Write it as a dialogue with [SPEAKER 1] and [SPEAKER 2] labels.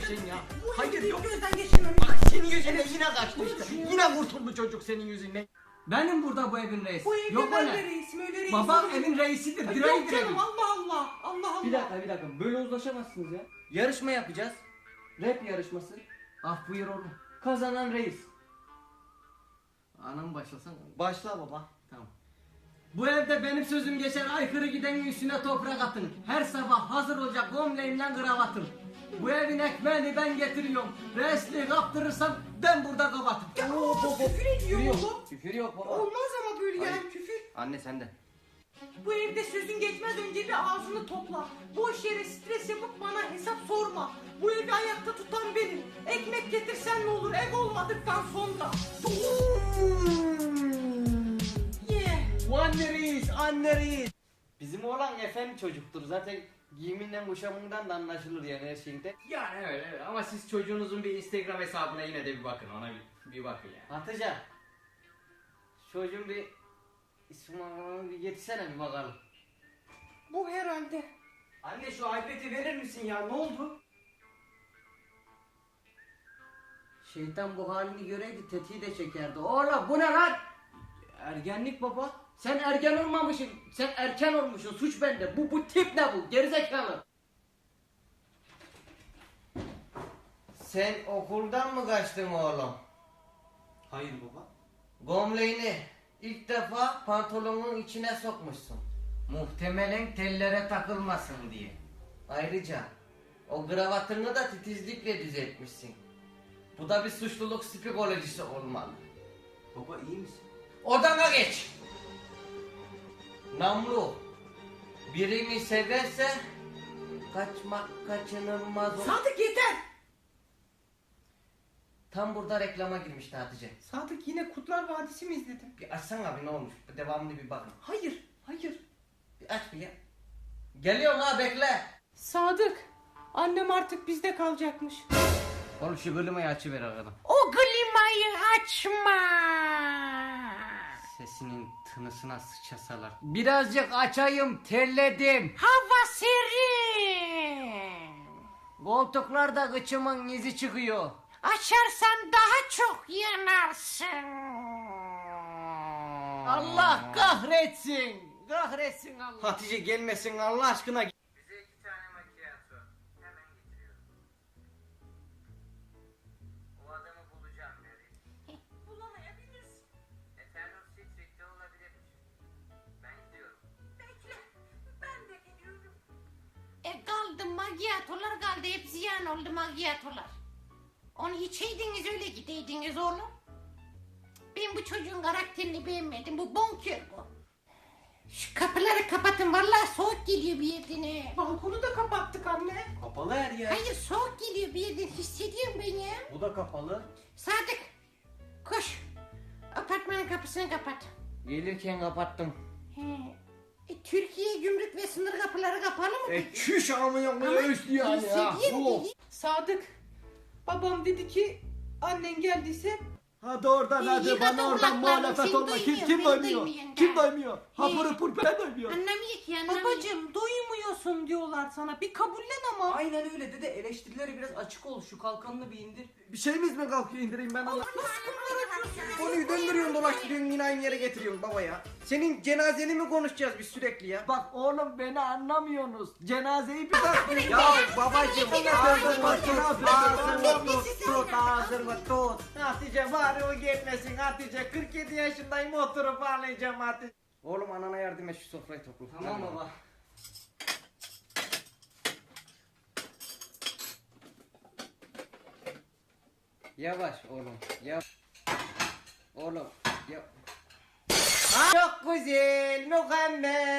[SPEAKER 1] şeyin ya.
[SPEAKER 2] Bu
[SPEAKER 1] Hayır
[SPEAKER 2] evde
[SPEAKER 1] yok.
[SPEAKER 2] gözden geçirmem.
[SPEAKER 1] Bak senin yüzünden yine kaçtı işte. Yine kurtuldu çocuk senin yüzünden. Benim burada bu evin reisi.
[SPEAKER 2] Bu evde
[SPEAKER 1] Yok
[SPEAKER 2] ben
[SPEAKER 1] öyle.
[SPEAKER 2] de reisim, öyle reis
[SPEAKER 1] Babam
[SPEAKER 2] olur.
[SPEAKER 1] evin reisidir.
[SPEAKER 2] Ay,
[SPEAKER 1] Direği
[SPEAKER 2] yok canım,
[SPEAKER 1] direği.
[SPEAKER 2] Allah Allah. Allah Allah.
[SPEAKER 3] Bir dakika. Böyle uzlaşamazsınız ya. Yarışma yapacağız. Rap yarışması.
[SPEAKER 1] Ah buyur oğlum.
[SPEAKER 3] Kazanan reis.
[SPEAKER 1] Anam başlasana.
[SPEAKER 3] Başla baba.
[SPEAKER 1] Tamam. Bu evde benim sözüm geçer, aykırı gidenin üstüne toprak atın. Her sabah hazır olacak gömleğimle kravatım. Bu evin ekmeğini ben getiriyorum. Reisliği kaptırırsam ben burada kapatım.
[SPEAKER 2] Ya küfür ediyor
[SPEAKER 3] Küfür yok.
[SPEAKER 2] oğlum.
[SPEAKER 3] Küfür yok baba.
[SPEAKER 2] Olmaz ama böyle yani
[SPEAKER 3] Hayır.
[SPEAKER 2] küfür.
[SPEAKER 3] Anne sen de.
[SPEAKER 2] Bu evde sözün geçmez önce bir ağzını topla. Boş yere stres yapıp bana hesap sorma. Bu evi ayakta tutan benim. Ekmek getirsen ne olur ev olmadıktan sonra.
[SPEAKER 3] Anne reis, anne reis. Bizim oğlan efendi çocuktur. Zaten giyiminden kuşamından da anlaşılır yani her şeyinde.
[SPEAKER 1] Yani öyle ama siz çocuğunuzun bir Instagram hesabına yine de bir bakın, ona bir bakın yani.
[SPEAKER 3] Hatice. Çocuğun bir ismini bir getirsene bir bakalım.
[SPEAKER 2] Bu herhalde.
[SPEAKER 1] Anne şu iPad'i verir misin ya, ne oldu?
[SPEAKER 3] Şeytan bu halini göreydi tetiği de çekerdi. Oğlum bu ne lan?
[SPEAKER 1] Ergenlik baba.
[SPEAKER 3] Sen ergen olmamışsın. Sen erken olmuşsun. Suç bende. Bu tip ne bu? Gerizekalı. Sen okuldan mı kaçtın oğlum?
[SPEAKER 1] Hayır baba.
[SPEAKER 3] Gömleğini ilk defa pantolonun içine sokmuşsun. Muhtemelen tellere takılmasın diye. Ayrıca o kravatını da titizlikle düzeltmişsin. Bu da bir suçluluk psikolojisi olmalı.
[SPEAKER 1] Baba iyi misin?
[SPEAKER 3] Odana geç. Namlu birini severse kaçmak kaçınılmaz olur.
[SPEAKER 2] Sadık yeter.
[SPEAKER 3] Tam burada reklama girmişti Hatice.
[SPEAKER 2] Sadık yine Kurtlar Vadisi mi izledin?
[SPEAKER 3] Bir açsana abi ne olmuş? Bir devamlı bir bakın.
[SPEAKER 2] Hayır, hayır.
[SPEAKER 3] Bir aç bir ya. Geliyorum ha bekle.
[SPEAKER 2] Sadık, annem artık bizde kalacakmış.
[SPEAKER 3] Oğlum şu klimayı açıver arkadan.
[SPEAKER 2] O klimayı açma.
[SPEAKER 3] Sesinin tınısına sıçasalar. Birazcık açayım terledim.
[SPEAKER 2] Hava serin.
[SPEAKER 3] Koltuklarda kıçımın izi çıkıyor.
[SPEAKER 2] Açarsan daha çok yanarsın.
[SPEAKER 3] Allah kahretsin. Kahretsin Allah. Hatice gelmesin Allah aşkına. Bize 2 tane macchiato. Hemen getiriyorum. O adamı bulacağım Mary.
[SPEAKER 2] Bulamayabilirsin.
[SPEAKER 3] Eternal Street'te olabilirmiş. Ben gidiyorum.
[SPEAKER 2] Bekle, ben de geliyorum.
[SPEAKER 4] Kaldı magyatolar kaldı, hep ziyan oldu magyatolar. Onu içeydiniz öyle gideydiniz oğlum. Ben bu çocuğun karakterini beğenmedim, bu bonkör bu. Şu kapıları kapatın, vallahi soğuk geliyor bir yerden he.
[SPEAKER 2] Balkonu da kapattık anne.
[SPEAKER 3] Kapalı her yer.
[SPEAKER 4] Hayır, soğuk geliyor bir yerden, hissediyorum ben ya.
[SPEAKER 3] Bu da kapalı.
[SPEAKER 4] Sadık, koş. Apartmanın kapısını kapat.
[SPEAKER 3] Gelirken kapattım.
[SPEAKER 4] He. Türkiye gümrük ve sınır kapıları kapalı mı?
[SPEAKER 1] Çüş amına koyayım yani ya.
[SPEAKER 4] Hissediyorum
[SPEAKER 1] Oh.
[SPEAKER 4] beni.
[SPEAKER 2] Sadık, babam dedi ki annen geldiyse
[SPEAKER 1] Hadi oradan
[SPEAKER 4] İyi,
[SPEAKER 1] hadi
[SPEAKER 4] yıkadın
[SPEAKER 1] bana oradan
[SPEAKER 4] kulaklarını,
[SPEAKER 1] muhalefet
[SPEAKER 4] seni
[SPEAKER 1] olma. Kim
[SPEAKER 4] duymuyor,
[SPEAKER 1] kim
[SPEAKER 4] beni
[SPEAKER 1] doymuyor?
[SPEAKER 4] duymuyor
[SPEAKER 1] Kim
[SPEAKER 4] da.
[SPEAKER 1] doymuyor? Hapır hapır ben doymuyor.
[SPEAKER 4] Anlamıyor ki, anlamıyor.
[SPEAKER 2] babacım duymuyorsun diyorlar sana, bir kabullen ama.
[SPEAKER 3] Aynen öyle dede, eleştirilere biraz açık ol, şu kalkanını bir indir.
[SPEAKER 1] Bir şeyimiz mi kalkıyor, indireyim ben onu.
[SPEAKER 3] Konuyu döndürüyorsun dolaştırıyorsun yine aynı yere getiriyorsun baba ya. Senin cenazeni mi konuşacağız biz sürekli ya?
[SPEAKER 1] Bak oğlum beni anlamıyorsunuz. Cenazeyi bir bak.
[SPEAKER 3] Ya babacım
[SPEAKER 1] Ağzını
[SPEAKER 3] tut ağzını tut. Hatice bari o gelmesin Hatice, 47 yaşındayım oturup ağlayacağım Hatice. Oğlum anana yardım et, şu sofrayı topla. Tamam baba. Yavaş oğlum yavaş. Oğlum ya. Çok güzel, mükemmel.